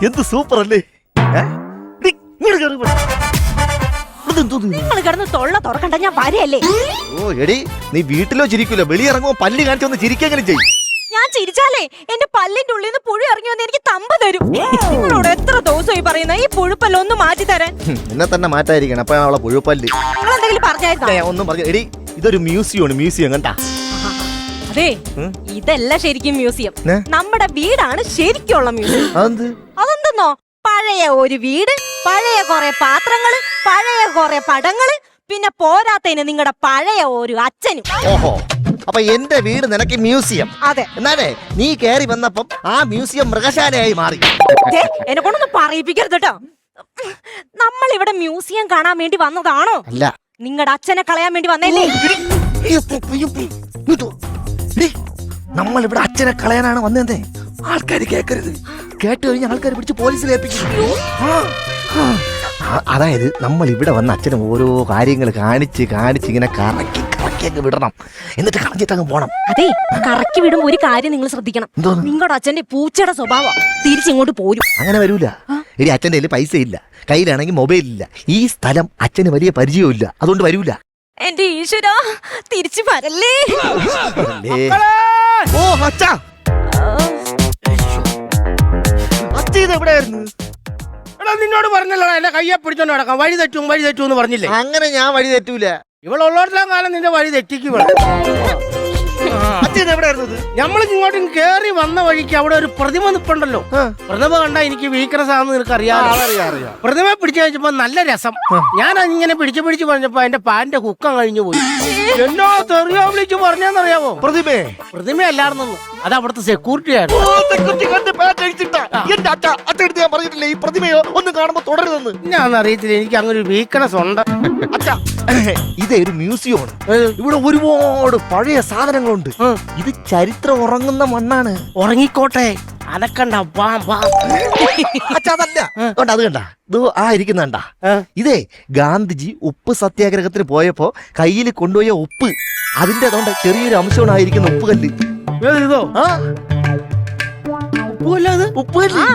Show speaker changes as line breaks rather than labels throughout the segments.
എന്ത് സൂപ്പർ അല്ലേ?
നിങ്ങൾ കിടന്ന് തൊള്ള തുറക്കണ്ട, ഞാൻ വരയല്ലേ.
ഓ എടി, നീ വീട്ടിലോ ചിരിക്കൂലോ, വെളിയിറങ്ങുമ്പോ പല്ല് കാണിച്ചൊന്ന് ചിരിക്കെങ്കിലും ചെയ്യും.
ഞാൻ ചിരിച്ചാലേ എന്റെ പല്ലിന്റെ ഉള്ളിൽ നിന്ന് പുഴു ഇറങ്ങി വന്ന് എനിക്ക് തമ്പ് തരും. നിങ്ങളോട് എത്ര ദിവസമായി പറയുന്ന ഈ പുഴുപ്പല്ല ഒന്ന് മാറ്റി തരാൻ.
എന്നെ തന്നെ മാറ്റായിരിക്കണം. അപ്പൊ അവളെ പുഴുപ്പല്ല്
നിങ്ങൾ എന്തെങ്കിലും പറഞ്ഞായിരുന്നോ?
ഒന്നും പറഞ്ഞു. എടി, ഇതൊരു മ്യൂസിയമാണ്. മ്യൂസിയം കണ്ടാ?
അതെ, ഇതല്ല ശരിക്കും മ്യൂസിയം. നമ്മുടെ വീടാണ് ശരിക്കുള്ള മ്യൂസിയം. അതെന്തെന്നോ, പഴയ ഒരു വീട്, പഴയ കുറെ പാത്രങ്ങള്, പഴയ കുറെ പടങ്ങള്, പിന്നെ പോരാത്തതിന് നിങ്ങളുടെ പഴയ ഒരു അച്ഛനും.
ഓഹോ, അപ്പൊ എന്റെ വീട് നിനക്ക് മ്യൂസിയം?
അതെ.
എന്നാലേ നീ കേറി വന്നപ്പം ആ മ്യൂസിയം മൃഗശാലയായി മാറി.
എന്നെ കൊണ്ടൊന്നും പറയിപ്പിക്കരുത് കേട്ടോ. നമ്മൾ ഇവിടെ മ്യൂസിയം കാണാൻ വേണ്ടി വന്നതാണോ?
അല്ല.
നിങ്ങളുടെ അച്ഛനെ കളയാൻ വേണ്ടി വന്നല്ലേ?
നമ്മൾ ഇവിടെ അച്ഛനെ കളയാനാണ് വന്നതേ. ആൾക്കാർ കേൾക്കരുത്. കേട്ട് കഴിഞ്ഞ ആൾക്കാർ പിടിച്ച് പോലീസിൽ ഏൽപ്പിക്കും. അതായത് നമ്മൾ ഇവിടെ വന്ന അച്ഛനെ ഓരോ കാര്യങ്ങൾ കാണിച്ച് ഇങ്ങനെ കറക്കി വിടണം, എന്നിട്ട് കളഞ്ഞിട്ടങ്ങ് പോണം.
അതെ, കറക്കി വിടുമ്പോ ഒരു കാര്യം നിങ്ങൾ ശ്രദ്ധിക്കണം. നിങ്ങളുടെ അച്ഛന്റെ പൂച്ചയുടെ സ്വഭാവം തിരിച്ചിങ്ങോട്ട് പോരും.
അങ്ങനെ വരൂല. ഇനി അച്ഛൻ്റെ കയ്യിൽ പൈസ ഇല്ല, കയ്യിലാണെങ്കിൽ മൊബൈൽ ഇല്ല. ഈ സ്ഥലം അച്ഛന് വലിയ പരിചയമില്ല, അതുകൊണ്ട് വരൂല.
എന്റെ ഈശ്വര, തിരിച്ചു വരല്ലേ.
ഓ അച്ഛാ, അച്ഛ ഇത് എവിടെയായിരുന്നു?
നിന്നോട് പറഞ്ഞല്ലോ എന്നെ കയ്യെ പിടിച്ചോണ്ട് നടക്കാം. വഴി തെറ്റും എന്ന് പറഞ്ഞില്ലേ?
അങ്ങനെ ഞാൻ വഴി തെറ്റൂല.
ഇവളുള്ളോടത്തോളം കാലം നിന്റെ വഴി തെറ്റിക്കും. നമ്മൾ ഇങ്ങോട്ടും കേറി വന്ന വഴിക്ക് അവിടെ ഒരു പ്രതിമ നിപ്പുണ്ടല്ലോ. പ്രതിമ കണ്ടാ എനിക്ക് വീക്ക്നസ് ആണെന്ന് നിനക്ക് അറിയാം. പ്രതിമ പിടിച്ചു കഴിച്ചപ്പോ നല്ല രസം. ഞാൻ അതിങ്ങനെ പിടിച്ചു പറഞ്ഞപ്പോ എന്റെ പാന്റെ കുക്കം കഴിഞ്ഞു പോയി. എന്നോ തെറിയോ വിളിച്ചു പറഞ്ഞെന്നറിയാവോ? പ്രതിമയല്ലായിരുന്നു, അത് അവിടുത്തെ സെക്യൂരിറ്റി ആയിരുന്നു.
ഈ പ്രതിമയോ ഒന്ന് കാണുമ്പോ തുടരുതെന്ന്
ഞാൻ അറിയത്തില്ല, എനിക്ക് അങ്ങനെ ഒരു വീക്ക്നസ് ഉണ്ട്.
ഇതേ ഒരു മ്യൂസിയമാണ്. ഇവിടെ ഒരുപാട് പഴയ സാധനങ്ങളുണ്ട്. ഇത് ചരിത്രം ഉറങ്ങുന്ന മണ്ണാണ്.
ഉറങ്ങിക്കോട്ടെ, അനക്കണ്ട.
അതല്ല, അത് കണ്ട, ഇത് ആ ഇരിക്കുന്നുണ്ട. ഇതേ ഗാന്ധിജി ഉപ്പ് സത്യാഗ്രഹത്തിന് പോയപ്പോ കയ്യിൽ കൊണ്ടുപോയ ഉപ്പ്, അതിന്റെ അതുകൊണ്ട് ചെറിയൊരു അംശമായിരിക്കുന്ന ഉപ്പുകല്ല്.
ഇതോ
ഉപ്പുകല്ല്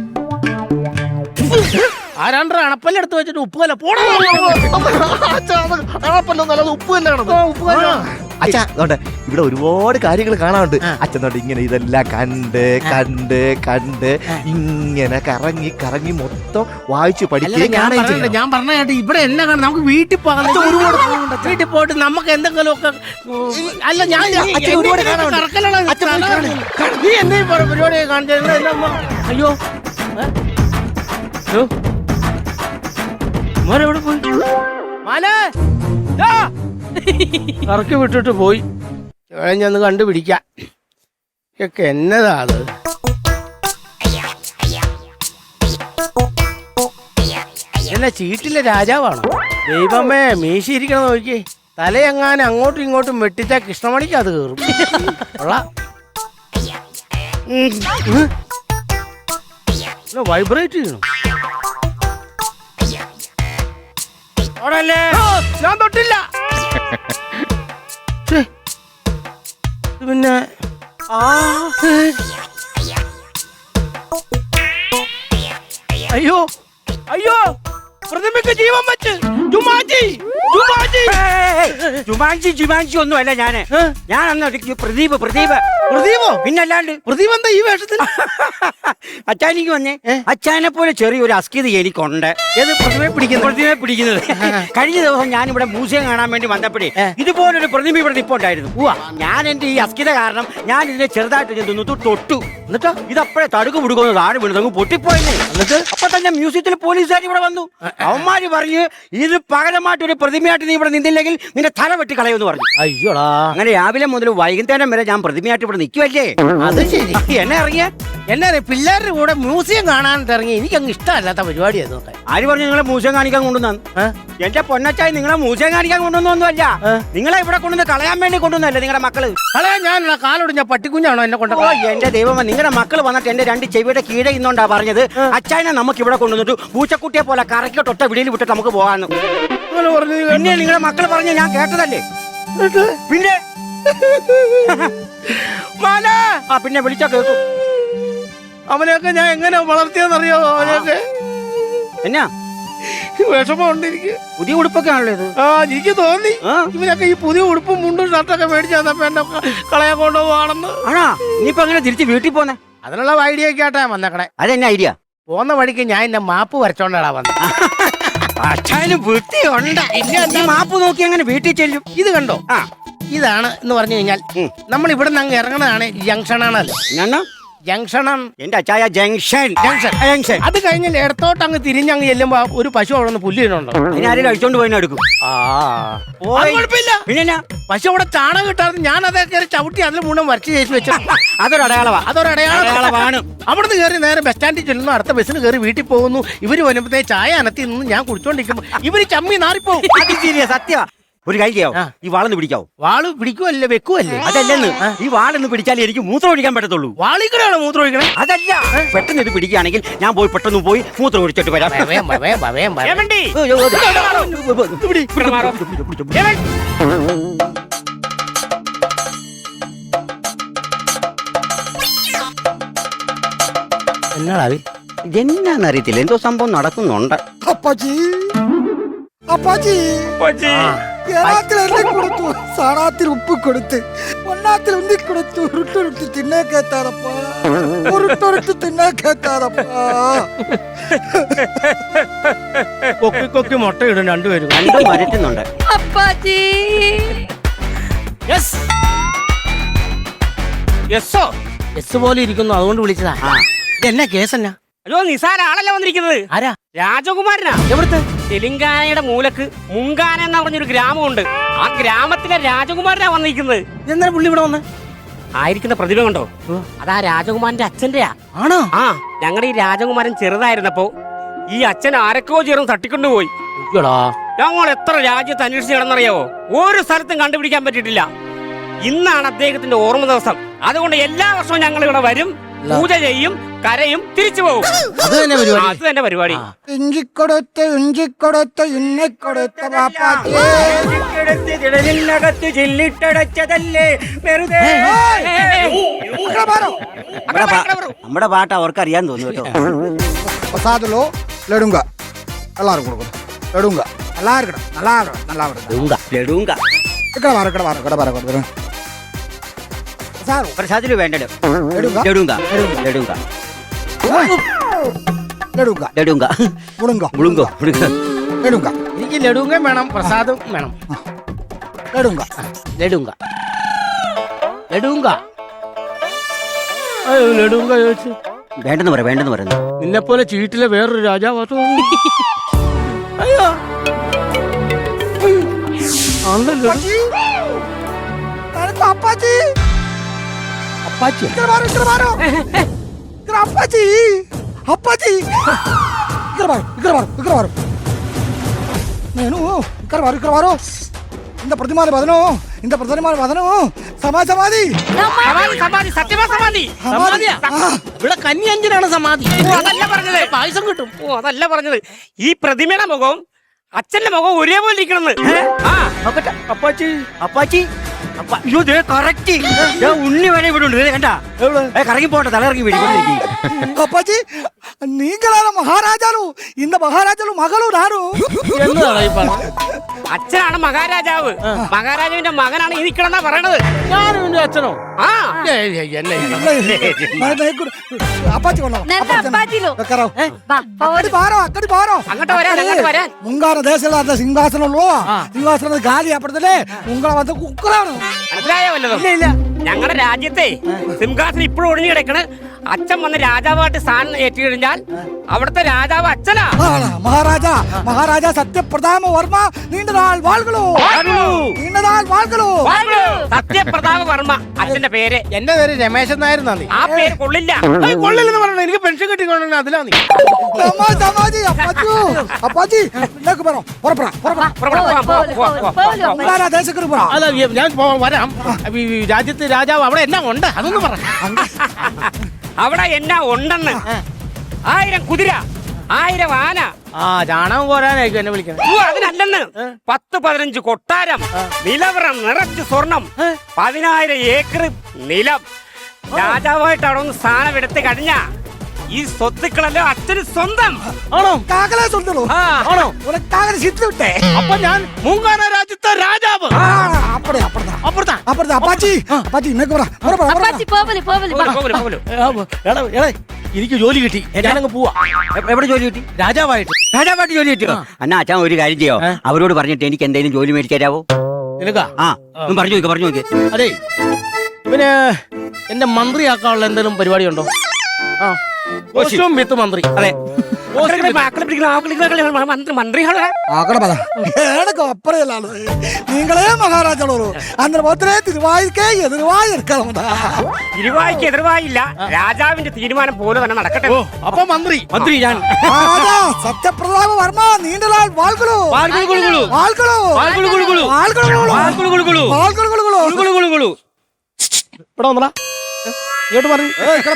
ആരാണ്ട് അണപ്പല്ലെടുത്ത് വെച്ചിട്ട് ഉപ്പുകല്ല പോണോ?
അണപ്പല്ലൊന്നും ഉപ്പ് തന്നെയാണ്. അച്ഛാ, അതുകൊണ്ട് ഇവിടെ ഒരുപാട് കാര്യങ്ങൾ കാണാനുണ്ട്. അച്ഛൻ തൊട്ട് ഇങ്ങനെ ഇതെല്ലാം കണ്ട് ഇങ്ങനെ കറങ്ങി മൊത്തം വായിച്ചു പഠിക്കുക.
ഞാൻ പറഞ്ഞ ഇവിടെ എന്നെ കാണാം. നമുക്ക് വീട്ടിൽ പോകാം. വീട്ടിൽ പോയിട്ട് നമുക്ക് എന്തെങ്കിലുമൊക്കെ അല്ല ഞാൻ നീ എന്തെങ്കിലും പരിപാടി കാണിച്ച. അയ്യോ മോനെവിടെ പോയി? കറക്കി വിട്ടിട്ട് പോയി. കഴിഞ്ഞൊന്ന് കണ്ടുപിടിക്കാം. ഇതൊക്കെ എന്നതാ അത്? എന്നാ ചീട്ടിലെ രാജാവാണോ? ദൈവമേ, മീശിരിക്കണം നോക്കി. തലയെങ്ങാനും അങ്ങോട്ടും ഇങ്ങോട്ടും വെട്ടിച്ചാ കൃഷ്ണമണിക്ക് അത് കയറും. വൈബ്രേറ്റ് ചെയ്യണം. ഞാൻ തൊട്ടില്ല. പിന്നെ അയ്യോ പ്രതിമയ്ക്ക് ജീവൻ വെച്ച്.
ജുമാൻജി ഒന്നും അല്ല ഞാന്. ഞാനന്ന് പ്രദീപ്.
പ്രദീപോ?
പിന്നല്ലാണ്ട്.
പ്രദീപ് എന്താ ഈ വേഷത്തിൽ?
അച്ഛാനിക്ക് വന്നേ. അച്ഛനെ പോലെ ചെറിയൊരു അസ്കിത എനിക്കുണ്ട്.
ഏത് പ്രതിമയെ
പിടിക്കുന്നത്? കഴിഞ്ഞ ദിവസം ഞാനിവിടെ മ്യൂസിയം കാണാൻ വേണ്ടി വന്നപ്പോഴേ ഇതുപോലൊരു പ്രതിമ ഇവിടെ നിപ്പുണ്ടായിരുന്നു. ഞാൻ എന്റെ ഈ അസ്കിത കാരണം ഞാൻ ഇതിനെ ചെറുതായിട്ട് തൊട്ടു. എന്നിട്ടോ ഇതപ്പോഴേ തടുക്ക് പിടിക്കുന്നു, താഴെ വീണു പൊട്ടിപ്പോയെന്നേ. എന്നിട്ട് അപ്പൊ തന്നെ മ്യൂസിയത്തിൽ പോലീസുകാർ ഇവിടെ വന്നു. അവന്മാര് പറഞ്ഞു ഇത് പകരമായിട്ട് ഒരു പ്രതിമയായിട്ട് നീ ഇവിടെ നിന്നില്ലെങ്കിൽ നിന്റെ തല വെട്ടി കളയുമെന്ന് പറഞ്ഞു.
അയ്യോടാ.
അങ്ങനെ രാവിലെ മുതൽ വൈകുന്നേരം വരെ ഞാൻ പ്രതിമയായിട്ട് ഇവിടെ നിൽക്കുവല്ലേ.
അത് ശരി.
എന്നെ ഇറങ്ങിയ
പിള്ളേരുടെ കൂടെ മ്യൂസിയം കാണാൻ ഇറങ്ങി. എനിക്കങ്ങ് ഇഷ്ടമല്ലാത്ത പരിപാടിയായിരുന്നു.
ആര് പറഞ്ഞു നിങ്ങളെ മ്യൂസിയം കാണിക്കാൻ കൊണ്ടുവന്നു? എന്റെ പൊന്നച്ചായി നിങ്ങളെ മ്യൂസിയം കാണിക്കാൻ കൊണ്ടുവന്നൊന്നുമല്ല. നിങ്ങളെ ഇവിടെ കൊണ്ടുവന്ന് കളയാൻ വേണ്ടി കൊണ്ടുവന്നല്ലേ നിങ്ങളുടെ മക്കള്.
കളയാൻ ഞാൻ കാലൊടിഞ്ഞ പട്ടിക്കുഞ്ഞാണോ എന്നെ കൊണ്ട്?
എന്റെ ദൈവമേ, നിങ്ങളുടെ മക്കള് വന്നിട്ട് എന്റെ രണ്ട് ചെവിയുടെ കീഴെ ഇന്നോണ്ടാ പറഞ്ഞത് അച്ചായനെ നമുക്ക് ഇവിടെ കൊണ്ടുവന്നിട്ട് പൂച്ചക്കുട്ടിയെ പോലെ കറക്കിട്ടൊട്ട വിളിയിൽ വിട്ടിട്ട് നമുക്ക് പോകാന്ന്. പിന്നെ നിങ്ങളുടെ മക്കള് പറഞ്ഞ ഞാൻ കേട്ടതല്ലേ. പിന്നെ പിന്നെ വിളിച്ചാ കേൾക്കും.
അവനെയൊക്കെ ഞാൻ എങ്ങനെ വളർത്തിയെന്നറിയാമോ? അവനെയൊക്കെ
എന്നാ
വിഷമമുണ്ട് എനിക്ക്.
പുതിയ ഉടുപ്പൊക്കെ ആണല്ലോ ഇത്.
എനിക്ക് തോന്നി ഇവനൊക്കെ ഈ പുതിയ ഉടുപ്പും മുണ്ടും ഷർട്ടൊക്കെ മേടിച്ചു തന്നപ്പോ എന്നെ കളയാൻ കൊണ്ടുപോവാണെന്ന്.
ആണാ ഇനിയിപ്പോ അങ്ങനെ തിരിച്ച് വീട്ടിൽ പോന്നെ?
അതിനുള്ള ഐഡിയ ഒക്കെ ആട്ടാ വന്നേക്കണേ.
അതെന്നെ ഐഡിയ?
പോന്ന വഴിക്ക് ഞാൻ എന്നെ മാപ്പ് വരച്ചോണ്ടാ വന്നത്.
അച്ഛനും വൃത്തിയുണ്ട്. ഈ മാപ്പ് നോക്കി അങ്ങനെ വീട്ടിൽ ചെല്ലും.
ഇത് കണ്ടോ? ഇതാണ് എന്ന് പറഞ്ഞു കഴിഞ്ഞാൽ നമ്മൾ ഇവിടെ നിന്ന് അങ്ങ് ഇറങ്ങണതാണ് ജംഗ്ഷനാണല്ലോ.
ഞാൻ
ജംഗ്ഷണം
എന്റെ അച്ചായ ജംഗ്ഷൻ. ജംഗ്ഷൻ
അത് കഴിഞ്ഞ് ഇടത്തോട്ട് അങ്ങ് തിരിഞ്ഞങ്ങ് ചെല്ലുമ്പോ ഒരു പശു അവിടെ നിന്ന് പുല്ലിനുണ്ടോ?
അതിനാരും അഴിച്ചോണ്ട് പോയി എടുക്കും.
കുഴപ്പമില്ല.
പിന്നെ
പശു അവിടെ ചാണകം കിട്ടാതെ ഞാൻ അതൊക്കെ ചവിട്ടി അതിൽ മുഴുവൻ വരച്ച് ചേച്ചി വെച്ചു.
അതൊരു അടയാളമാണ്.
അതൊരടയാളമാണ്. അവിടുന്ന് കയറി നേരെ ബസ് സ്റ്റാൻഡിൽ ചെല്ലുന്നു, അടുത്ത ബസ്സിന് കയറി വീട്ടിൽ പോകുന്നു. ഇവര് വരുമ്പത്തേ ചായ അനത്തി നിന്ന് ഞാൻ കുടിച്ചോണ്ടിരിക്കുമ്പോ ഇവര് ചമ്മി നാറിപ്പോവും.
സത്യ ഒരു കൈ ചെയ്യാവോ? ഈ വാളൊന്ന് പിടിക്കാവോ?
വാള് പിടിക്കുവല്ലേ വെക്കുവല്ലേ?
അതല്ലെന്ന്, ഈ വാളൊന്ന് പിടിച്ചാലേ എനിക്ക് മൂത്രം ഒഴിക്കാൻ പറ്റത്തുള്ളൂ.
വാളിക്കടെയാണോ മൂത്രം ഒഴിക്കണേ?
അതല്ല, പെട്ടെന്ന് ഇത് പിടിക്കുകയാണെങ്കിൽ ഞാൻ പോയി പെട്ടെന്ന് പോയി മൂത്രം ഒഴിച്ചിട്ട് വരാം. എന്നാന്നറിയത്തില്ല, എന്തോ സംഭവം നടക്കുന്നുണ്ട്.
അപ്പാച്ചി അപ്പാച്ചി ഏറാത്തിൽ എന്നെ കൊടുത്തു, സാറാത്തിൽ ഉപ്പ് കൊടുത്ത്, ഒന്നാത്തിൽ ഉന്തി കൊടുത്തു, ഉരുട്ടുരുട്ടി തിന്നേ കേട്ടാറപ്പാ, ഉരുട്ടുരുട്ടി തിന്നേ കേട്ടാറപ്പാ.
കൊക്കി കൊക്കി മുട്ട ഇടും രണ്ടുപേരും.
രണ്ടും വരറ്റുന്നുണ്ട്.
അപ്പാച്ചി
എസ് പോലെ ഇരിക്കുന്നു, അതുകൊണ്ട് വിളിച്ചതാ. എന്നാ കേസ് എന്നാ?
അല്ലോ നിസാര ആളല്ല വന്നിരിക്കുന്നത്.
ആരാ?
രാജകുമാരനാ.
എവിടുത്തെ?
തെലുങ്കാനയുടെ മൂലക്ക് മുങ്കാന എന്ന് പറഞ്ഞൊരു ഗ്രാമമുണ്ട്. ആ ഗ്രാമത്തിലെ രാജകുമാരനാ വന്നിരിക്കുന്നത്.
എന്നാ പുള്ളി ഇവിടെ വന്ന്
ആയിരിക്കുന്ന പ്രതിഭ കണ്ടോ? അതാ രാജകുമാരന്റെ അച്ഛന്റെയാ.
ആണോ?
ഞങ്ങളുടെ ഈ രാജകുമാരൻ ചെറുതായിരുന്നപ്പോ ഈ അച്ഛൻ ആരൊക്കെയോ ചേർന്ന് തട്ടിക്കൊണ്ടുപോയി. ഞങ്ങൾ എത്ര രാജ്യത്ത് അന്വേഷിച്ച് നടന്നറിയാവോ? ഒരു സ്ഥലത്തും കണ്ടുപിടിക്കാൻ പറ്റിയിട്ടില്ല. ഇന്നാണ് അദ്ദേഹത്തിന്റെ ഓർമ്മ ദിവസം. അതുകൊണ്ട് എല്ലാ വർഷവും ഞങ്ങൾ ഇവിടെ വരും, പൂജ ചെയ്യും, കരയും, തിരിച്ചു പോകും.
അത് തന്നെ പരിപാടി.
അത് തന്നെ പരിപാടി.
ഇഞ്ചിക്കൊടുത്ത് ഇഞ്ചിക്കൊടുത്ത് ഇന്നക്കൊടുത്ത പാപ്പാച്ചി.
ിനകത്ത് ചില്ലിട്ടടച്ചതല്ലേ വെറുതെ. നമ്മുടെ പാട്ട് അവർക്ക് അറിയാൻ തോന്നുന്നു കേട്ടോ.
പ്രസാദലോ ലഡുങ്ക എല്ലാരും കൊടുക്കണം. ലഡുങ്ക நல்லா இருக்கணும், நல்லா இருக்கணும், நல்லா இருக்கணும்.
ലഡുങ്ക
ఇక్కడ వారు ఇక్కడ వారు ఇక్కడ వారు ఇక్కడ സാർ
പ്രസാദില് വേണ്ടല്ലോ.
ലഡുങ്ക
ലഡുങ്ക ലഡുങ്ക
ലഡുങ്ക
ലഡുങ്ക
മുളുങ്ക
മുളുങ്കോ മുളുങ്ക.
ലഡുങ്ക
എനിക്ക് ലഡുങ്ക വേണം, പ്രസാദും വേണം.
ലഡുങ്ക
ലഡുങ്ക ലഡുങ്ക അയ്യോ ലഡുങ്ക ചോദിച്ചു.
വേണ്ടെന്ന് പറയാം, വേണ്ടെന്ന് പറയുന്നു.
നിന്നെ പോലെ ചീട്ടിലെ വേറൊരു രാജാവാ. അയ്യോ
അപ്പാച്ചി
അപ്പാച്ചി
ఇక్కడ వారు ఇక్కడ వారు ఇక్కడ అప్పాజీ అప్పాజీ ఇక్కడ వారు ఇక్కడ వారు ఇక్కడ వారు నేను ఇక్కడ వారు ఇక్కడ వారు ఇంత ప్రతిమాల వదను ఇంత ప్రతిమాల వదను సమాధి సమాధి
സമാധി, സത്യമാ സമാധി.
ഇവിടെ കന്യഞ്ജനാണ് സമാധി.
അതല്ല പറഞ്ഞത്.
പായസം കിട്ടും.
അതല്ല പറഞ്ഞത്. ഈ പ്രതിമയുടെ മുഖവും അച്ഛന്റെ മുഖവും ഒരേപോലെ ഇരിക്കണമെന്ന്.
അപ്പാച്ചി
അപ്പാച്ചി അയ്യോ കറക്റ്റ്. ഉണ്ണി വരെ ഇവിടെ ഉണ്ട് കണ്ടാ. കറങ്ങി പോട്ടെ, തലയിറങ്ങി വീട്ടിൽ.
అప్పాజీ నీగలాల మహారాజాలు ఇంత మహారాజాలు మగలు రారు.
എന്നതാണ് ഈ പറഞ്ഞത്?
അച്ഛനാണ് മഹാരാജാവ്. മഹാരാജാവിന്റെ മകനാണ് ഈ നിക്കണെന്നാ പറയണത്.
ഞാനും എന്റെ അച്ഛനോ?
ആ
అప్పాజీ కొన్నాం
అప్పాజీలో
అక్కడి బారో అక్కడి బారో
അങ്ങോട്ട് വരാൻ, അങ്ങോട്ട് വരാൻ.
ముంగార దేశంలో సింహాసనంలో సింహాసనం గాలి అప్పటిదే ఉంగళ వద్ద కుక్కలాను
മനസ്സിലായോ വല്ലതും? ഞങ്ങളുടെ രാജ്യത്തെ സിംഹാസനം ഇപ്പോഴും ഒഴിഞ്ഞു കിടക്കണ്. അച്ഛൻ വന്ന് രാജാവായിട്ട് സ്ഥാനം ഏറ്റുകഴിഞ്ഞാൽ അവിടുത്തെ രാജാവ് അച്ഛനാ.
മഹാരാജാ മഹാരാജാ സത്യപ്രതാപ വർമ്മ നീണ്ട നാൾ വാൾകളോ നീണ്ട നാൾ വാൾകളോ.
സത്യപ്രതാപ വർമ്മ അച്ഛന്റെ പേര്.
എന്റെ പേര് രമേശൻ നായർ എന്നാ.
ആ പേര് കൊള്ളില്ല.
കൊള്ളില്ലെന്ന് പറഞ്ഞു. എനിക്ക് പെൻഷൻ കിട്ടിക്കൊണ്ടു അതിലാ നീ.
സമാധി അപ്പാച്ചു അപ്പാച്ചി ഇതൊക്കെ പറ പുറപ്പെടാ പുറപ്പെടാ ദേശക്കറി പോറാ.
അല്ല ഞാൻ വരാം. ഈ രാജ്യത്ത് രാജാവ് അവിടെ എന്നാ ഉണ്ട് അതൊന്നും പറ.
അവിടെ എന്നാ ഉണ്ടെന്ന്? 1000 കുതിര, 1000 ആന.
ചാണകം പോരാനായിരിക്കും എന്നെ വിളിക്കുന്നത്.
അതിനല്ലെന്ന്. 10-15 കൊട്ടാരം, നിലവറം നിറച്ച് സ്വർണം, 10000 ഏക്കർ നിലം. രാജാവായിട്ട് അവിടെ ഒന്ന് സ്ഥാനം എടുത്ത് കഴിഞ്ഞ ഈ സ്വത്തുക്കളെല്ലാം അച്ഛന് സ്വന്തം.
ആണോ?
കാക്കലെ സ്വന്തോ
ആ,
ആണോ?
ഒരു കാക്കലെ ചിത്തു വിട്ടേ
അപ്പൊ ഞാൻ മൂങ്കാന രാജ്യത്തെ രാജാവ്.
അപ്പടെ അപ്പുറത്താ
അപ്പുറത്താ.
അപ്പുറത്താ അപ്പാച്ചി അപ്പാച്ചി ഇന്നേക്ക് പറ
അപ്പാച്ചി പോവല് പോവല്
പോവല്, പോവല്, പോവല്.
എടാ, എടാ, എനിക്ക് ജോലി കിട്ടി. ഞാനങ്ങ് പോവാ
എവിടെ ജോലി കിട്ടി?
രാജാവായിട്ട്.
രാജാവായിട്ട് ജോലി കിട്ടിയോ? എന്നാ അച്ഛൻ ഒരു കാര്യം ചെയ്യോ, അവരോട് പറഞ്ഞിട്ട് എനിക്ക് എന്തെങ്കിലും ജോലി മേടിച്ചു തരാവോ?
നിനക്കാ?
ആ ഒന്ന് പറഞ്ഞു നോക്ക്.
അതെ, ഇവന് എന്നെ മന്ത്രിയാക്കാനുള്ള എന്തെങ്കിലും പരിപാടി ഉണ്ടോ? ആ, കോസ്റ്റ്യൂം വിത്ത് മന്ത്രി.
അതെ.
മക്കളെ പിടിക്കണം, മന്ത്രികളെ
ആക്കട പറ ഏടൊക്കെ അപ്പറയല്ലാളു നീങ്ങളെ മഹാരാജാളൂ അന്നേരം പോത്തേ തിരുവായിക്കേ എതിർവായി എടുക്കണം
ഇരുവായിക്ക് എതിർവായില്ല. രാജാവിന്റെ തീരുമാനം പോലെ തന്നെ നടക്കട്ടെ.
ഓ, അപ്പൊ മന്ത്രി ഞാൻ.
സത്യപ്രതാപ വർമ്മ നീണ്ടലാൽ വാൾകളു
വാൾകുളുകുളു.
വാൾകളു
വാൾകുളുകുളു.
വാൾകളു
വാൾകുളുകുളു.
വാൾകളു
കുളുകുളുകുളു. ഇവിടെ വന്നടാ, ഇങ്ങോട്ട് പറഞ്ഞു.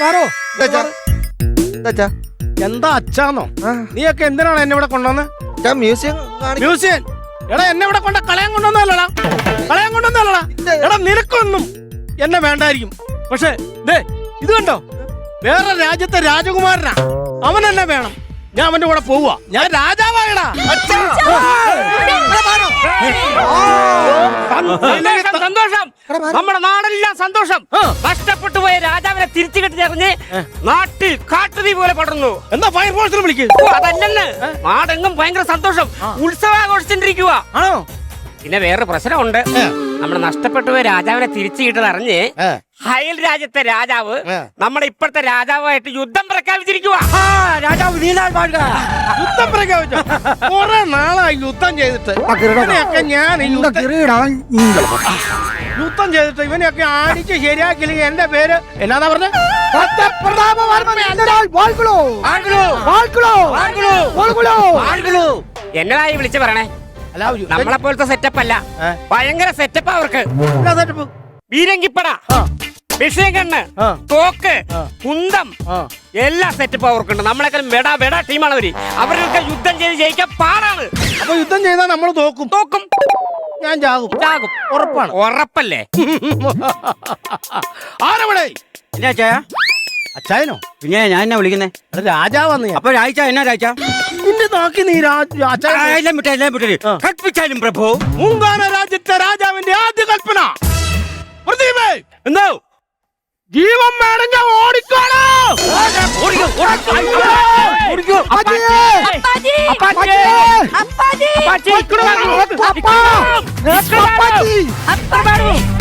എന്താ അച്ഛാന്നോ? നീയൊക്കെ എന്തിനാണ് എന്നെ ഇവിടെ കൊണ്ടുവന്ന്?
Museum
museum? എടാ, എന്നെ ഇവിടെ കളയാൻ കൊണ്ടുവന്നല്ലടാ. എടാ, നിനക്കൊന്നും എന്നെ വേണ്ടായിരിക്കും. പക്ഷെ ദേ ഇത് കണ്ടോ, വേറെ രാജ്യത്തെ രാജകുമാരനാ. അവൻ എന്നെ വേണം. ഞാൻ അവന്റെ കൂടെ പോവുക. ഞാൻ രാജാവായടാ.
സന്തോഷം, നമ്മുടെ നാടെല്ലാം സന്തോഷം. കഷ്ടപ്പെട്ടു പോയ രാജാവിനെ തിരിച്ചു കെട്ടിച്ചറിഞ്ഞ് നാട്ടിൽ കാട്ടുതീ പോലെ പടർന്നു.
എന്താ ഫയർഫോഴ്സിനെ വിളിക്കുക?
അതല്ലെന്ന്, നാടെങ്ങും ഭയങ്കര സന്തോഷം, ഉത്സവാഘോഷിച്ചിരിക്കുക.
ആണോ?
പിന്നെ വേറെ പ്രശ്നമുണ്ട്. നമ്മുടെ നഷ്ടപ്പെട്ടു പോയ രാജാവിനെ തിരിച്ചു കിട്ടതറിഞ്ഞ് അയൽ രാജ്യത്തെ രാജാവ് നമ്മുടെ ഇപ്പോഴത്തെ രാജാവായിട്ട് യുദ്ധം പ്രഖ്യാപിച്ചിരിക്കുക.
രാജാവ് നീലാൽ വാഴുക.
യുദ്ധം പ്രഖ്യാപിച്ചോ? കുറെ നാളായി യുദ്ധം ചെയ്തിട്ട്. ഇവനെയൊക്കെ ഞാൻ യുദ്ധം ചെയ്തിട്ട് ഇവനെയൊക്കെ അടിച്ച് ശരിയാക്കില്ലെങ്കിൽ എന്റെ പേര് എന്നാ പറഞ്ഞ?
എന്നതായി വിളിച്ചു പറയണേ? നമ്മളെ പോലത്തെ സെറ്റപ്പ് അല്ല, ഭയങ്കര സെറ്റപ്പ് അവർക്ക്. ബീരങ്കിപ്പട, വിഷയകണ്ണ്, തോക്ക്, കുന്തം, എല്ലാ സെറ്റപ്പ് അവർക്കുണ്ട്. നമ്മളെക്കാളും വെടാ ടീമാണ് അവര്. അവരൊക്കെ യുദ്ധം ചെയ്ത് ജയിക്കാൻ പാടാണ്.
അപ്പൊ യുദ്ധം ചെയ്താൽ നമ്മൾ തോക്കും. ഞാൻ ചാകും. ഉറപ്പാണ്?
ഉറപ്പല്ലേ?
ആരവിടെ?
എന്നാ അച്ചായ?
അച്ചായനോ?
പിന്നെ ഞാൻ എന്നാ വിളിക്കുന്നേ?
രാജാവന്ന്.
അപ്പൊ രാജ എന്നാ രാജ?
നിന്റെ നാക്കി നീ
എല്ലാം വിട്ടേ കൽപ്പിച്ചാലും പ്രഭു.
മൂങ്കാന രാജ്യത്തെ രാജാവിന്റെ ആദ്യ കൽപ്പന.
എന്തോ
ജീവൻ വേണമെങ്കിൽ ഓടിക്കോളൂ.
അപ്പാജി